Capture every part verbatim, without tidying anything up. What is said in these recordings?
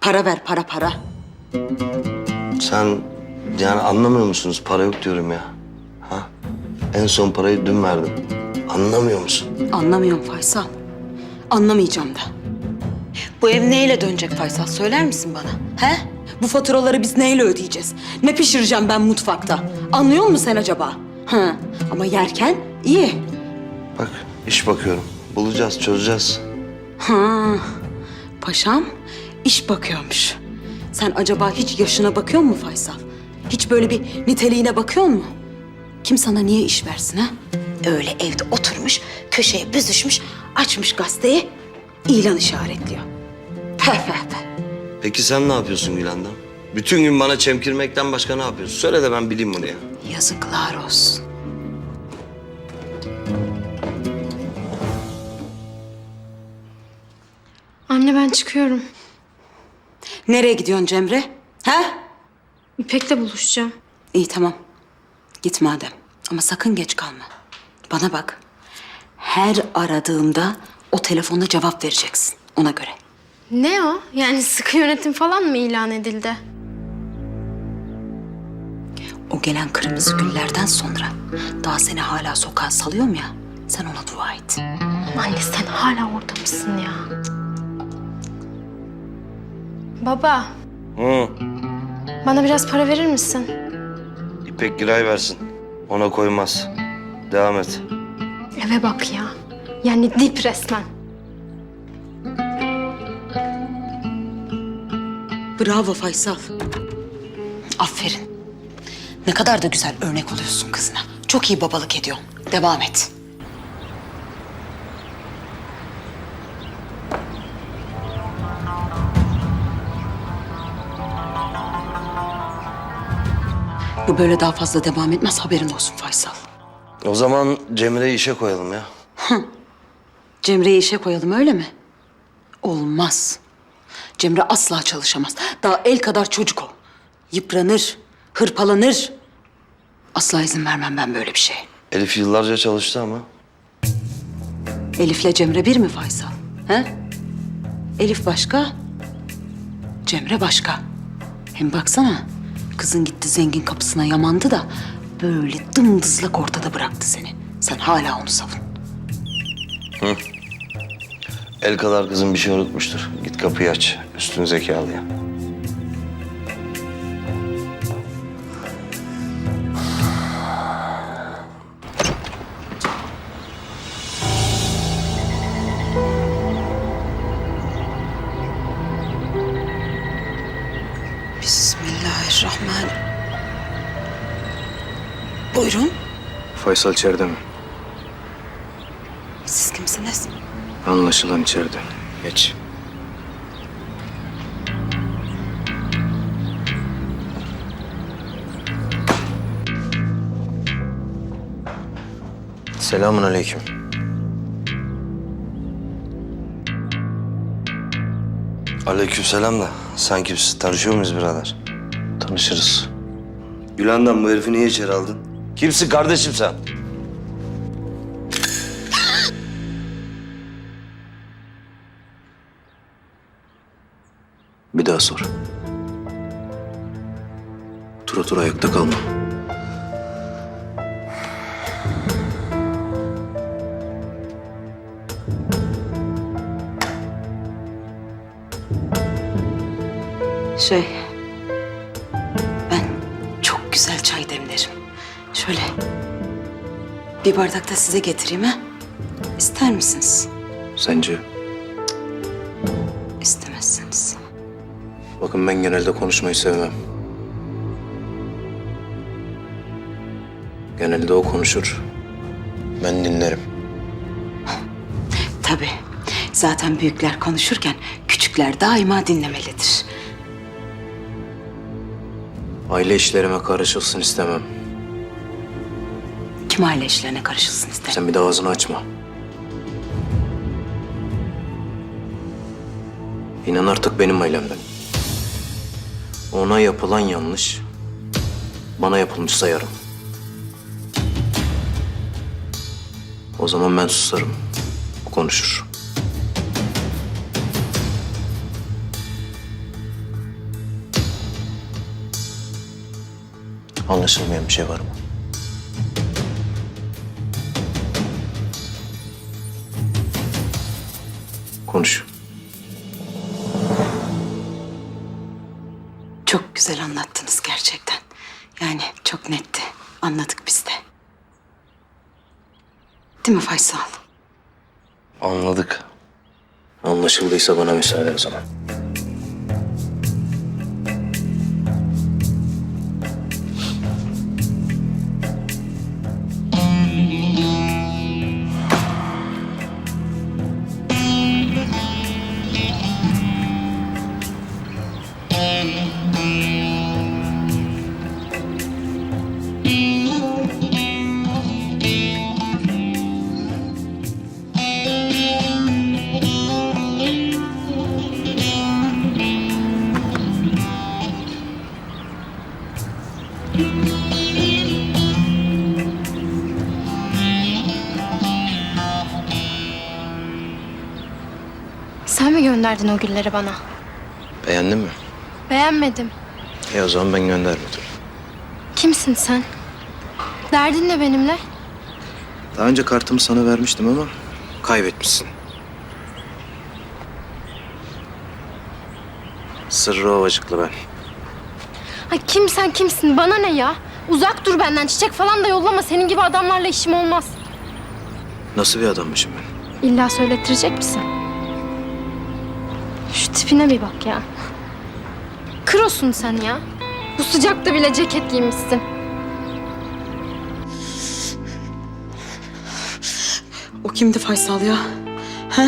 Para ver, para para. Sen yani anlamıyor musunuz? Para yok diyorum ya. Ha? En son parayı dün verdim. Anlamıyor musun? Anlamıyorum Faysal. Anlamayacağım da. Bu ev neyle dönecek Faysal? Söyler misin bana? He? Bu faturaları biz neyle ödeyeceğiz? Ne pişireceğim ben mutfakta? Anlıyor musun sen acaba? Hı. Ama yerken iyi. Bak iş bakıyorum. Bulacağız, çözeceğiz. Ha. Paşam iş bakıyormuş. Sen acaba hiç yaşına bakıyor musun Faysal? Hiç böyle bir niteliğine bakıyor mu? Kim sana niye iş versin ha? Öyle evde oturmuş, köşeye büzüşmüş, açmış gazeteyi, ilan işaretliyor. Peh peh peh. Peki sen ne yapıyorsun Gülendam? Bütün gün bana çemkirmekten başka ne yapıyorsun? Söyle de ben bileyim bunu ya. Yazıklar olsun. Anne ben çıkıyorum. Nereye gidiyorsun Cemre? Ha? İpek'le buluşacağım. İyi tamam. Git madem. Ama sakın geç kalma. Bana bak. Her aradığımda o telefonla cevap vereceksin. Ona göre. Ne o? Yani sıkı yönetim falan mı ilan edildi? O gelen kırmızı güllerden sonra daha seni hala sokağa salıyorum ya. Sen ona dua et. Anne sen hala orada mısın ya? Baba, Hı. bana biraz para verir misin? İpek Giray versin. Ona koymaz. Devam et. Eve bak ya. Yani dip resmen. Bravo Faysal. Aferin. Ne kadar da güzel örnek oluyorsun kızına. Çok iyi babalık ediyorsun. Devam et. Bu böyle daha fazla devam etmez, haberin olsun Faysal. O zaman Cemre'yi işe koyalım ya. Cemre'yi işe koyalım öyle mi? Olmaz. Cemre asla çalışamaz. Daha el kadar çocuk o. Yıpranır, hırpalanır. Asla izin vermem ben böyle bir şeye. Elif yıllarca çalıştı ama. Elif'le Cemre bir mi Faysal? He? Elif başka, Cemre başka. Hem baksana, kızın gitti zengin kapısına yamandı da böyle dımdızlak ortada bıraktı seni. Sen hala onu savun. El kadar kızın bir şey unutmuştur. Git kapıyı aç. Üstün zekalı ya. Bismillahirrahmanirrahim. Buyurun. Faysal içeride mi? Siz kimsiniz? Anlaşılan içeride. Geç. Selamun aleyküm. Aleykümselam da sen kimsin? Tanışıyor muyuz birader? Tanışırız. Gülendam bu herifi niye içeri aldın? Kimsin kardeşim sen? Bir daha sor. Otur otur ayakta kalma. Şey, ben çok güzel çay demlerim. Şöyle bir bardak da size getireyim ha? İster misiniz? Sence? İstemezsiniz. Bakın ben genelde konuşmayı sevmem. Genelde o konuşur. Ben dinlerim. Tabii. Zaten büyükler konuşurken küçükler daima dinlemelidir. Aile işlerime karışılsın istemem. Kim aile işlerine karışılsın ister? Sen bir daha ağzını açma. İnan artık benim ailemden. Ona yapılan yanlış, bana yapılmış sayarım. O zaman ben susarım, o konuşur. Anlaşılmayan bir şey var mı? Konuş. Çok güzel anlattınız gerçekten. Yani çok netti. Anladık biz de. Değil mi Faysal? Anladık. Anlaşıldıysa bana müsaade o zaman. Sen mi gönderdin o gülleri bana? Beğendin mi? Beğenmedim. E o zaman ben göndermedim. Kimsin sen? Derdin ne benimle? Daha önce kartımı sana vermiştim ama kaybetmişsin. Sırrı Ovacıklı ben. Ha, kim sen kimsin? Bana ne ya? Uzak dur benden. Çiçek falan da yollama. Senin gibi adamlarla işim olmaz. Nasıl bir adammışım ben? İlla söylettirecek misin? Şu tipine bir bak ya. Krosun sen ya. Bu sıcakta bile ceket giymişsin. O kimdi Faysal ya? Ha?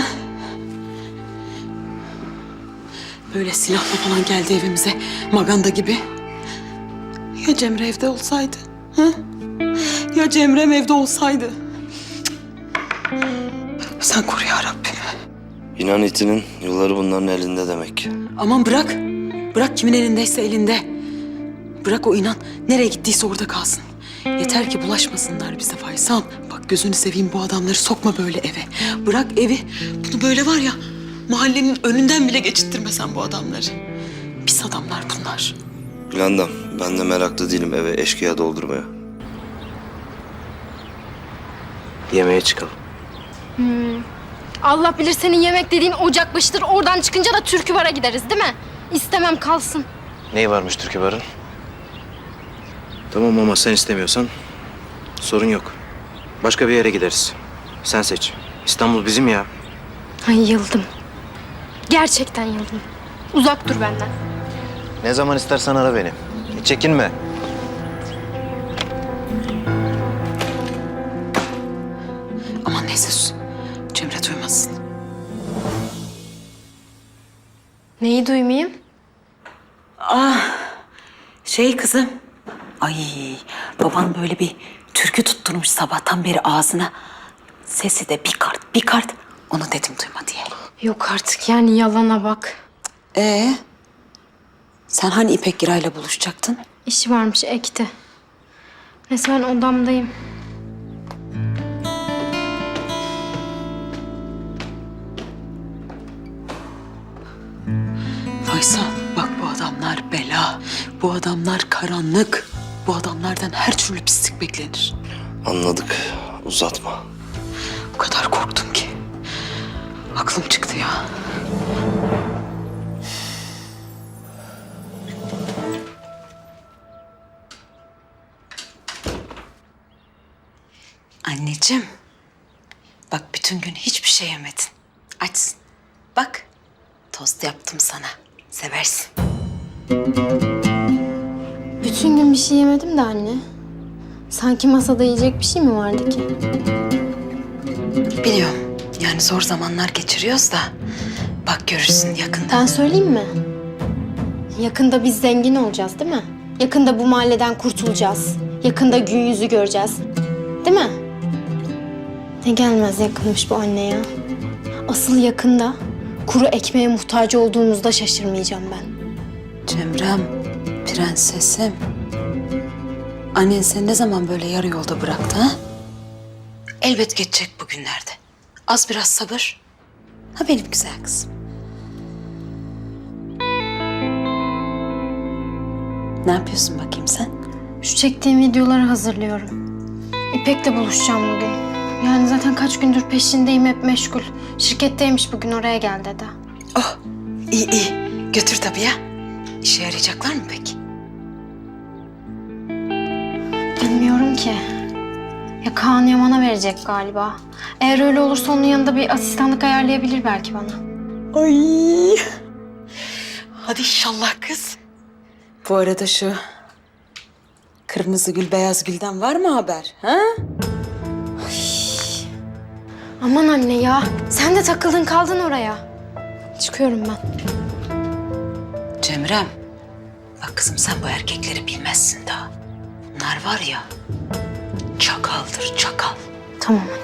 Böyle silahla falan geldi evimize. Maganda gibi. Ya Cemre evde olsaydı? Ha? Ya Cemre'm evde olsaydı? Sen koru ya Rabbim. İnan itinin yılları bunların elinde demek. Aman bırak. Bırak kimin elindeyse elinde. Bırak o inan nereye gittiyse orada kalsın. Yeter ki bulaşmasınlar bize Faysal. Bak gözünü seveyim bu adamları sokma böyle eve. Bırak evi. Bunu böyle var ya mahallenin önünden bile geçittirme sen bu adamları. Pis adamlar bunlar. Gülendam, ben de meraklı değilim eve eşkıya doldurmaya. Yemeğe çıkalım. Allah bilir senin yemek dediğin ocak başıdır. Oradan çıkınca da türkü bara gideriz değil mi? İstemem kalsın. Neyi varmış Türkü Bar'ın? Tamam ama sen istemiyorsan sorun yok. Başka bir yere gideriz. Sen seç. İstanbul bizim ya. Ay yıldım. Gerçekten yıldım. Uzak dur benden. Ne zaman istersen ara beni. Hiç çekinme. Aman neyse sus. Cemre duymasın. Neyi duymayayım? Şey kızım. Ay baban böyle bir türkü tutturmuş sabahtan beri ağzına. Sesi de bir kart bir kart. Onu dedim duyma diye. Yok artık yani yalana bak. Ee, sen hani İpek Giray'la buluşacaktın? İşi varmış ekti. Neyse ben odamdayım. Faysal bak bu adamlar bela. Bu adamlar karanlık. Bu adamlardan her türlü pislik beklenir. Anladık, uzatma. O kadar korktum ki. Aklım çıktı ya. Anneciğim. Bak bütün gün hiçbir şey yemedin. Açsın. Bak tost yaptım sana. Seversin. Bütün gün bir şey yemedim de anne. Sanki masada yiyecek bir şey mi vardı ki? Biliyorum. Yani zor zamanlar geçiriyoruz da. Bak görürsün yakında. Ben söyleyeyim mi? Yakında biz zengin olacağız değil mi? Yakında bu mahalleden kurtulacağız. Yakında gün yüzü göreceğiz. Değil mi? Ne gelmez yakınmış bu anne ya. Asıl yakında kuru ekmeğe muhtaç olduğumuzda şaşırmayacağım ben. Cemrem, prensesim. Annen seni ne zaman böyle yarı yolda bıraktı ha? Elbet geçecek bugünlerde. Az biraz sabır. Ha benim güzel kızım. Ne yapıyorsun bakayım sen? Şu çektiğim videoları hazırlıyorum. İpek'le buluşacağım bugün. Yani zaten kaç gündür peşindeyim, hep meşgul. Şirketteymiş, bugün oraya gel dedi. Oh, iyi iyi. Götür tabii ya. İşe yarayacaklar mı peki? Bilmiyorum ki. Ya Kaan Yaman'a verecek galiba. Eğer öyle olursa onun yanında bir asistanlık ayarlayabilir belki bana. Ay. Hadi inşallah kız. Bu arada şu kırmızı gül, beyaz gülden var mı haber? Ha? Aman anne ya. Sen de takıldın kaldın oraya. Çıkıyorum ben. Cemrem, bak kızım sen bu erkekleri bilmezsin daha. Bunlar var ya, çakaldır çakal. Tamam anne.